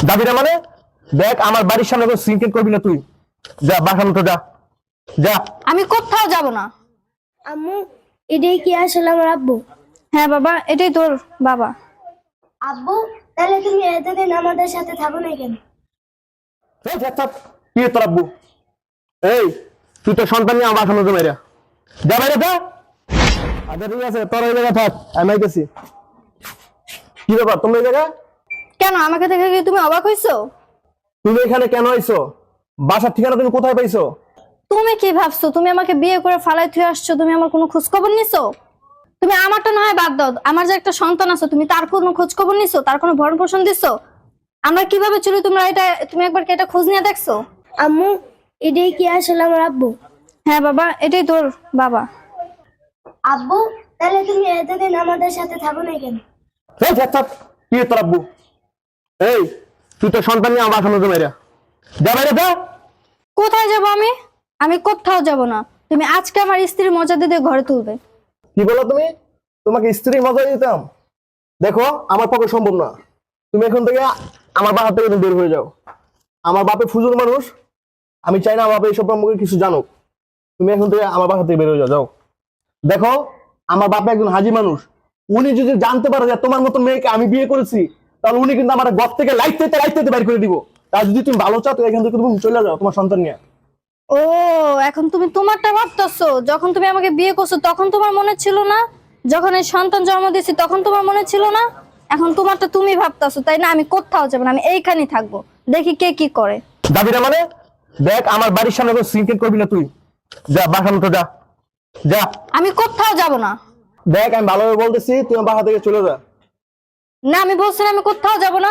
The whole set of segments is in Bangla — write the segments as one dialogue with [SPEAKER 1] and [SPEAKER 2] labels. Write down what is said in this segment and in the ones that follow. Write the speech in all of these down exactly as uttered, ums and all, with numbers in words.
[SPEAKER 1] যাবি না মানে? দেখ আমার বাড়ির সামনে কোনো সিনকেট করবি না তুই। যা বাসার মতো যা যা।
[SPEAKER 2] আমি কোথাও যাব না।
[SPEAKER 3] আম্মু, এটাই কি আসলে আমার আব্বু?
[SPEAKER 2] হ্যাঁ বাবা, এটাই তোর বাবা।
[SPEAKER 3] আব্বু, তাহলে তুমি এতদিন আমাদের সাথে থাকো না কেন?
[SPEAKER 1] এই যা, থাক। কি তোর আব্বু? এই তুই তো সন্তান নিয়ে আমার বাসার মতো বাইরে যা, বাইরে যা। আচ্ছা ঠিক আছে, তোর ওই জায়গায় থাক, আমি আইতেছি। কি ব্যাপার তোমরা এই জায়গায়?
[SPEAKER 2] কেন আমাকে দেখে কি তুমি অবাক হইছো?
[SPEAKER 1] তুমি এখানে কেন আইছো? বাসার ঠিকানা তুমি কোথায় পাইছো?
[SPEAKER 2] তুমি কি ভাবছো তুমি আমাকে বিয়ে করে ফালাই থুয়ে আসছো? তুমি আমার কোনো খোঁজ খবর নিছো? তুমি আমারটা না হয় বাদ দাও, আমার যে একটা সন্তান আছে তুমি তার কোনো খোঁজ খবর নিছো? তার কোনো ভরণ পোষণ দিছো? আমরা কিভাবে চলি তোমরা এটা তুমি একবার কি এটা খোঁজ নিয়ে দেখছো?
[SPEAKER 3] আম্মু, এটাই কি আসলে আমার আব্বু?
[SPEAKER 2] হ্যাঁ বাবা, এটাই তোর বাবা।
[SPEAKER 3] আব্বু, তাহলে তুমি এতদিন আমাদের সাথে থাকো না কেন?
[SPEAKER 1] এই যা, থাক। কি তোর আব্বু? এই তুই তো সন্তান নিয়ে আমার বাসার মতো বাইরে যা, বাইরে যা।
[SPEAKER 2] কোথায় যাব আমি? আমি কোথাও যাব না। তুমি আজকে আমার স্ত্রীর মর্যাদা দিয়ে ঘরে তুলবে।
[SPEAKER 1] কি বলো তুমি? তোমাকে স্ত্রী মজা দিতাম? দেখো আমার পক্ষে সম্ভব না। তুমি এখন থেকে আমার বাসা থেকে তুমি বের হয়ে যাও। আমার বাপে ফুজুর মানুষ, আমি চাই না আমার বাপে এইসব সম্পর্কে কিছু জানুক। তুমি এখন থেকে আমার বাসা থেকে বের হয়ে যাও যাও। দেখো আমার বাপে একজন হাজি মানুষ, উনি যদি জানতে পারে যে তোমার মতো মেয়েকে আমি বিয়ে করেছি, তাহলে উনি কিন্তু আমার ঘর থেকে লাইট থেকে লাইট থেকে বের করে দিব। তার যদি তুমি ভালো চাও তো এখান থেকে তুমি চলে যাও তোমার সন্তান নিয়ে।
[SPEAKER 2] ও, এখন তুমি তোমারটা ভাবতেছো? যখন তুমি আমাকে বিয়ে করছো তখন তোমার মনে ছিল না? যখন এই সন্তান জন্ম দিয়েছি তখন তোমার মনে ছিল না? এখন তোমারটা তুমি ভাবতেছো, তাই না? আমি কোথাও যাব না, আমি এইখানেই থাকবো, দেখি কে কি করে।
[SPEAKER 1] যাবি না মানে? দেখ আমার বাড়ির সামনে কোনো সিনকেট করবি না তুই। যা বাসার মতো যা যা।
[SPEAKER 2] আমি কোথাও যাব না।
[SPEAKER 1] দেখ আমি ভালোভাবে বলতেছি, তুই আমার বাসা থেকে চলে যা।
[SPEAKER 2] না, আমি বলছি না, আমি কোথাও যাব না,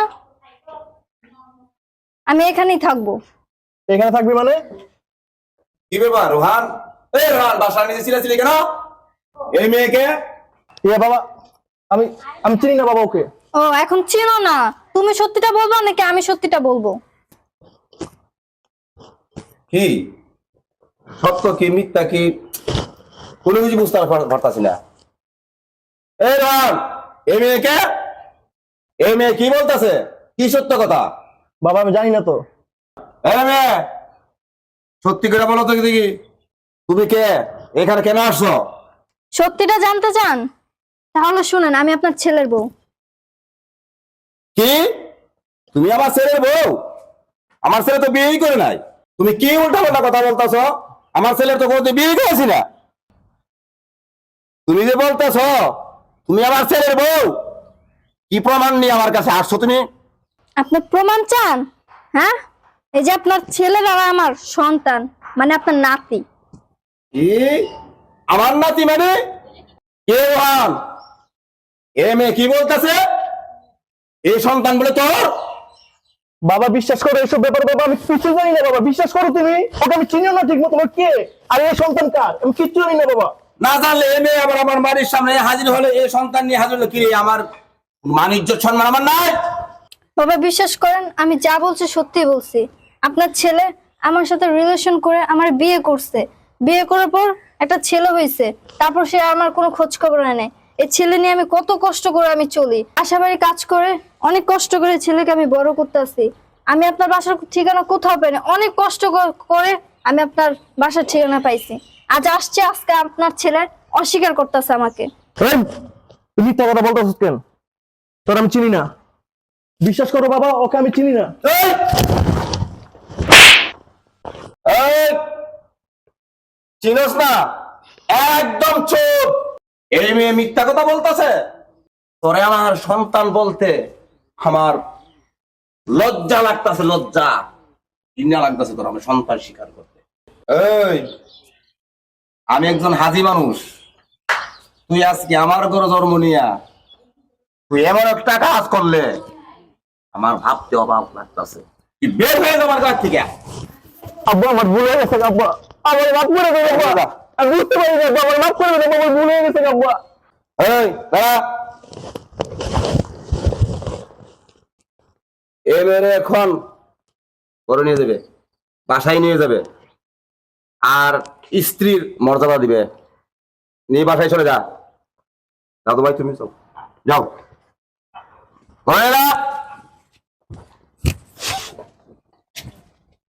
[SPEAKER 2] আমি এখানেই থাকবো।
[SPEAKER 1] এখানে থাকবি মানে?
[SPEAKER 4] কি ব্যাপার রোহান? এই রোহান, বাসার নিচে ছিলাছিলি কেন? এই মেয়েকে?
[SPEAKER 1] এ বাবা, আমি আমি চিনি না বাবা ওকে।
[SPEAKER 2] ও, এখন চিনো না? তুমি সত্যিটা বলবো নাকি আমি সত্যিটা বলবো?
[SPEAKER 4] কি সত্য কি মিথ্যা কি কোনো কিছু বুঝতে পারতাছি না। এই রোহান, এই মেয়েকে? এই মেয়ে কি বলতেছে? কি সত্য কথা?
[SPEAKER 1] বাবা আমি জানি না তো।
[SPEAKER 4] এই মেয়ে, সত্যি করে বলো তো দেখি, তুমি কে? এখানে কেন আসছো?
[SPEAKER 2] সত্যিটা জানতে চান? তাহলে শুনেন, আমি আপনার ছেলের বউ।
[SPEAKER 4] কি? তুমি আমার ছেলের বউ? আমার ছেলে তো বিয়েই করে নাই। তুমি কি উল্টা পাল্টা কথা বলতেছ? আমার ছেলের তো কোনোদিন বিয়ে করেছি না। তুমি যে বলতেছ তুমি আমার ছেলের বউ, কি প্রমাণ নিয়ে আমার কাছে আসছো তুমি?
[SPEAKER 2] আপনার প্রমাণ চান? হ্যাঁ, এই যে আপনার ছেলের আর আমার সন্তান, মানে আপনার নাতি।
[SPEAKER 4] কি আমার নাতি মানে? কে রোহান? এ মেয়ে কি বলতেছে? এই সন্তান বলে তোর?
[SPEAKER 1] বাবা বিশ্বাস করো এসব ব্যাপার, বাবা আমি কিছু জানি না। বাবা বিশ্বাস করো, তুমি ওকে আমি চিনিও না ঠিক মতো। তোমার কে আর এই সন্তান কার আমি কিচ্ছু জানি না বাবা।
[SPEAKER 4] না জানলে এ মেয়ে আবার আমার বাড়ির সামনে হাজির হলে, এই সন্তান নিয়ে হাজির হলো, কি রে? আমার মান ইজ্জত সম্মান আমার নাই?
[SPEAKER 2] বাবা বিশ্বাস করেন, আমি যা বলছি সত্যি বলছি। আপনার ছেলে আমার সাথে রিলেশন করে আমার বিয়ে করছে, বিয়ে করার পর একটা ছেলে হয়েছে, তারপর সে আমার কোনো খোঁজ খবর নেয়। এই ছেলে নিয়ে আমি কত কষ্ট করে আমি চলি, আশাবাড়ি কাজ করে অনেক কষ্ট করে ছেলেকে আমি বড় করতেছি। আমি আপনার বাসার ঠিকানা কোথাও পাইনি, অনেক কষ্ট করে আমি আপনার বাসার ঠিকানা পাইছি। আজ আসছে, আজকে আপনার ছেলে অস্বীকার করতেছে আমাকে।
[SPEAKER 1] এই, তুমি মিথ্যা কথা বলতেছ কেন? তোর আমি চিনি না। বিশ্বাস করো বাবা, ওকে আমি চিনি না।
[SPEAKER 4] এই! এই! চিনোস না? একদম চুপ। এই মেয়ে মিথ্যা কথা বলতেছে। তোরে আমার সন্তান বলতে আমার লজ্জা লাগতেছে, লজ্জা ঘৃণা লাগতেছে তোর আমার সন্তান স্বীকার করতে। এই, আমি একজন হাজি মানুষ, তুই আজকে আমার ঘরে জন্ম নিয়া তুই এমন একটা কাজ করলে আমার ভাবতে অভাব লাগতেছে। তুই বের হয়ে যা আমার ঘর থেকে।
[SPEAKER 1] আব্বু আমার ভুল হয়ে গেছে আব্বু, আমার মাফ করে দেবে আব্বু। আমি বুঝতে পারি না আব্বু, আমার মাফ করে দেবে, আমার ভুল হয়ে গেছে আব্বু।
[SPEAKER 4] এই দাঁড়া, এ মেরে এখন করে নিয়ে যাবে, বাসায় নিয়ে যাবে, আর স্ত্রীর মর্যাদা দিবে। নিয়ে বাসায় চলে যা। দাদু ভাই তুমি যাও, যাও ঘরে যা।